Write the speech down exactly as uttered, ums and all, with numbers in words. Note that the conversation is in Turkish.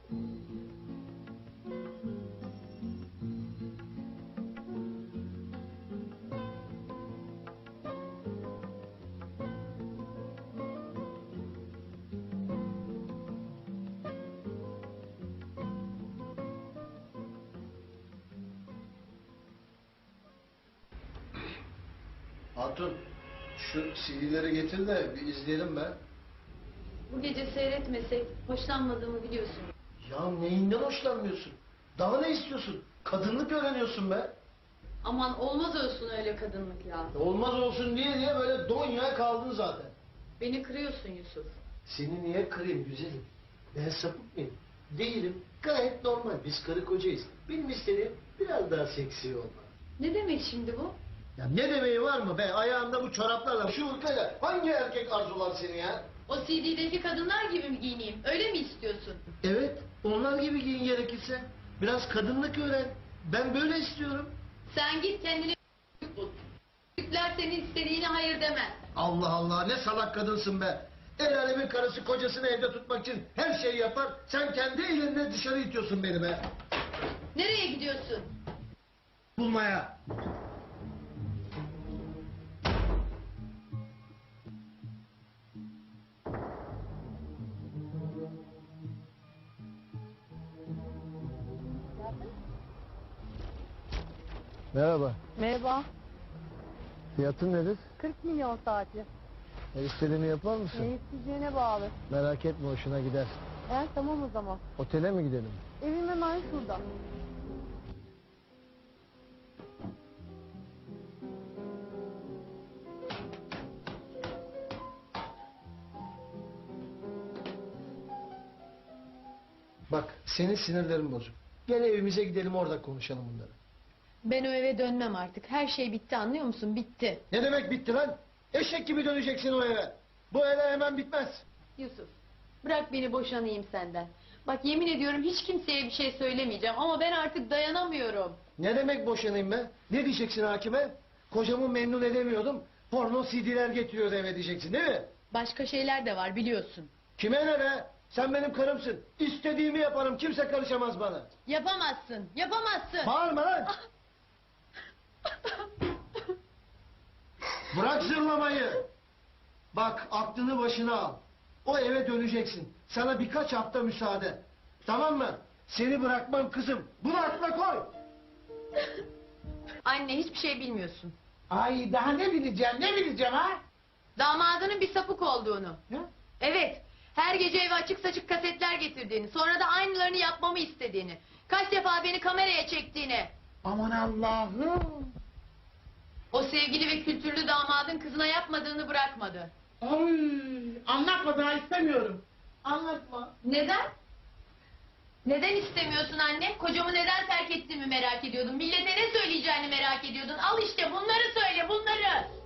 Hatun, şu C D'leri getir de bir izleyelim be. Bu gece seyretmesek hoşlanmadığımı biliyorsun. Ya neyinden hoşlanmıyorsun? Daha ne istiyorsun? Kadınlık öğreniyorsun be. Aman olmaz olsun öyle kadınlık ya. Olmaz olsun diye diye böyle donya kaldın zaten. Beni kırıyorsun Yusuf. Seni niye kırayım güzelim? Ben sapık mıyım? Değilim. Gayet normal. Biz karı kocayız. Benim istediğim biraz daha seksi olma. Ne demek şimdi bu? Ya ne demeyi var mı be? Ayağında bu çoraplarla, şu hırkayla hangi erkek arzular seni ya? O C D'deki kadınlar gibi mi giyineyim? Öyle mi istiyorsun? Evet, onlar gibi giyin gerekirse. Biraz kadınlık öğren. Ben böyle istiyorum. Sen git kendine bul. Türkler senin istediğine hayır demez. Allah Allah, ne salak kadınsın be. El alemin karısı kocasını evde tutmak için her şeyi yapar. Sen kendi elinle dışarı itiyorsun beni be. Nereye gidiyorsun? Bulmaya. Merhaba. Merhaba. Fiyatın nedir? kırk milyon saati. E, istediğini yapar mısın? Ne isteyeceğine bağlı. Merak etme, hoşuna gider. Evet tamam o zaman. Otele mi gidelim? Evim hemen şurada. Bak, senin sinirlerin bozuk. Gel evimize gidelim, orada konuşalım bunları. Ben o eve dönmem artık. Her şey bitti, anlıyor musun? Bitti. Ne demek bitti lan? Eşek gibi döneceksin o eve. Bu eve hemen bitmez. Yusuf, bırak beni boşanayım senden. Bak yemin ediyorum hiç kimseye bir şey söylemeyeceğim ama ben artık dayanamıyorum. Ne demek boşanayım be? Ne diyeceksin hakime? Kocamı memnun edemiyordum. Porno C D'ler getiriyordu eve diyeceksin, değil mi? Başka şeyler de var biliyorsun. Kime ne be? Sen benim karımsın. İstediğimi yaparım. Kimse karışamaz bana. Yapamazsın, yapamazsın. Bağırma lan! Bırak zırlamayı. Bak, aklını başına al. O eve döneceksin. Sana birkaç hafta müsaade. Tamam mı? Seni bırakmam kızım. Bunu aklına koy. Anne hiçbir şey bilmiyorsun. Ay daha ne bileceğim, ne bileceğim ha? Damadının bir sapık olduğunu. Ne? Evet, her gece eve açık saçık kasetler getirdiğini, sonra da aynılarını yapmamı istediğini, kaç defa beni kameraya çektiğini. Aman Allah'ım. O sevgili ve kültürlü damadın kızına yapmadığını bırakmadı. Ay, anlatma, daha istemiyorum. Anlatma. Neden? Neden istemiyorsun anne? Kocamı neden terk ettiğimi merak ediyordun. Millete ne söyleyeceğini merak ediyordun. Al işte bunları söyle, bunları.